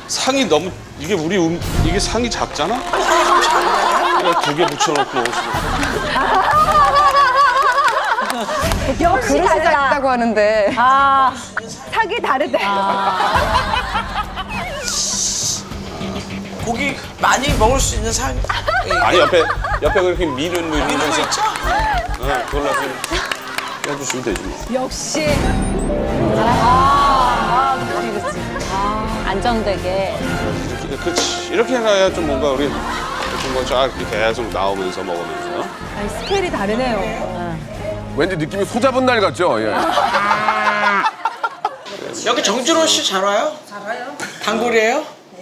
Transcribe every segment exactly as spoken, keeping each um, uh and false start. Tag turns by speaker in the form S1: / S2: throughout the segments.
S1: 상이 너무 이게 우리 음, 이게 상이 작잖아? 두 개 붙여놓고
S2: 역시
S3: 그릇이 작다고 하는데.
S2: 아, 탁이 다르대.
S4: 고기 많이 먹을 수 있는 상.
S1: 아니 옆에 옆에 그렇게 미는 뭐
S4: 이런 거
S1: 이러면서
S4: 있죠?
S1: 네, 그걸로 좀 해주시면 되지 뭐.
S2: 역시. 아, 그렇지, 그렇지. 아, 안정되게.
S1: 이렇게, 그렇지. 이렇게 해놔야 좀 뭔가 우리 좀뭐쫙 계속 나오면서 먹으면서.
S2: 아니, 스케일이 다르네요.
S5: 왠지 느낌이 소잡은 날 같죠? 예.
S4: 여기 정준호 씨 잘 와요? 잘 와요. 단골이에요?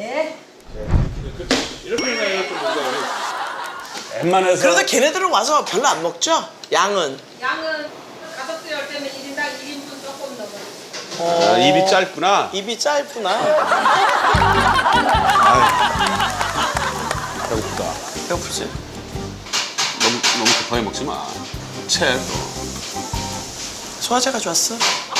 S1: 이렇게 해놔야 좀 뭔가 우리 웬만해서.
S4: 그래도 걔네들은 와서 별로 안 먹죠? 양은.
S6: 양은 가덕도 열 때면 일 인당 일 인분 조금 넘어요.
S1: 아, 입이 짧구나.
S4: 입이 짧구나.
S1: 배고프다.
S4: 배고프지?
S1: 너무 너무 급하게 먹지 마. 채 또.
S4: 소화제가 좋았어?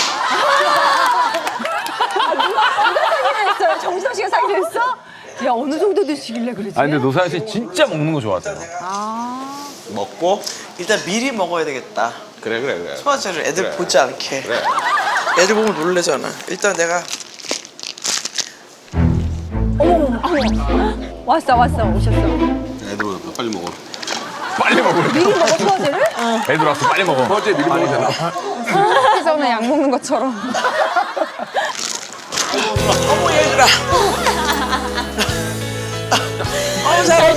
S2: 했어요? 정수영 씨가 상의했어? 야, 어느 정도 드시길래 그러지?
S7: 아니 근데 노사연 씨 진짜 먹는 거 좋아하세요.
S1: 먹고.
S4: 일단 미리 먹어야 되겠다.
S1: 그래 그래 그래.
S4: 소화제를 애들
S1: 그래.
S4: 보지 않게.
S1: 그래.
S4: 애들 보면 놀래잖아. 일단 내가
S2: 왔어, 왔어, 오셨어.
S1: 애들 오니까 빨리 먹어.
S7: 빨리 먹어.
S2: 미리 먹어, 소화제를?
S7: 애들 왔어 빨리 먹어.
S5: 어제 미리 먹으잖아.
S3: 회사는 약 먹는 것처럼.
S4: 어머 얘들아. 어머 잘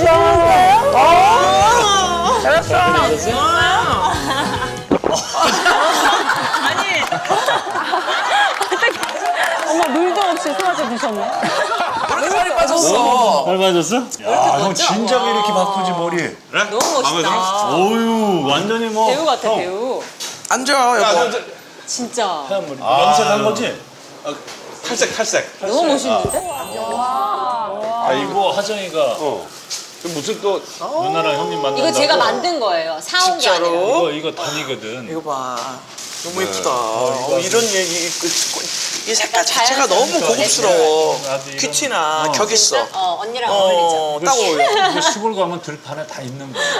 S2: 어머, 물도 없이 소화제 드셨네.
S4: 그렇게 살이 빠졌어.
S8: 잘 맞았어? 야, 형 진작 이렇게 바꾸지 머리.
S1: 그래? 너무 멋있다.
S8: 어유 완전히 뭐.
S9: 배우 같아, 배우.
S4: 앉아
S1: 야, 너,
S4: 여보.
S1: 저,
S9: 진짜.
S8: 하얀 머리. 염색한 거지?
S1: 탈색 탈색.
S9: 너무 멋있는데?
S8: 아 이거 하정이가
S1: 어. 그 무슨 또
S8: 누나랑 형님 만난다고.
S9: 이거 제가 만든 거예요. 사온 게 아니라.
S4: 진짜로?
S8: 이거 이거 단이거든.
S4: 이거 봐. 너무 예쁘다. 어, 이런 얘기 그, 이 색깔 자체가 너무 고급스러워.
S8: 나도 이거-
S4: 큐티나
S8: 어.
S4: 격 있어.
S9: 어, 언니랑 어울리죠.
S4: 어, 딱 어울려.
S8: 이거 시골 가면 들판에 다 있는 거야.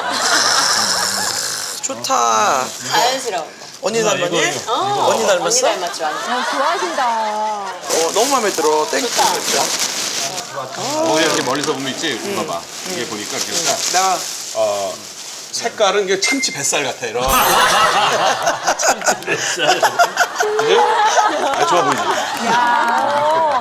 S4: 좋다.
S9: 자연스러운 거.
S4: 언니
S8: 누나,
S4: 닮았니?
S8: 이거, 이거.
S9: 어,
S4: 언니 닮았어?
S9: 언니 닮았죠, 완전.
S2: 어, 좋아하신다.
S4: 어, 너무 마음에 들어. 땡큐.
S9: 좋다.
S4: 진짜.
S1: 뭐 이렇게 멀리서 보면 있지. 봐봐. 이게 보니까 이렇게 딱
S4: 내가
S1: 어, 색깔은 이게 참치 뱃살 같아 이런.
S8: 진짜 뱃살.
S1: 그지? 아, 좋아 보이지.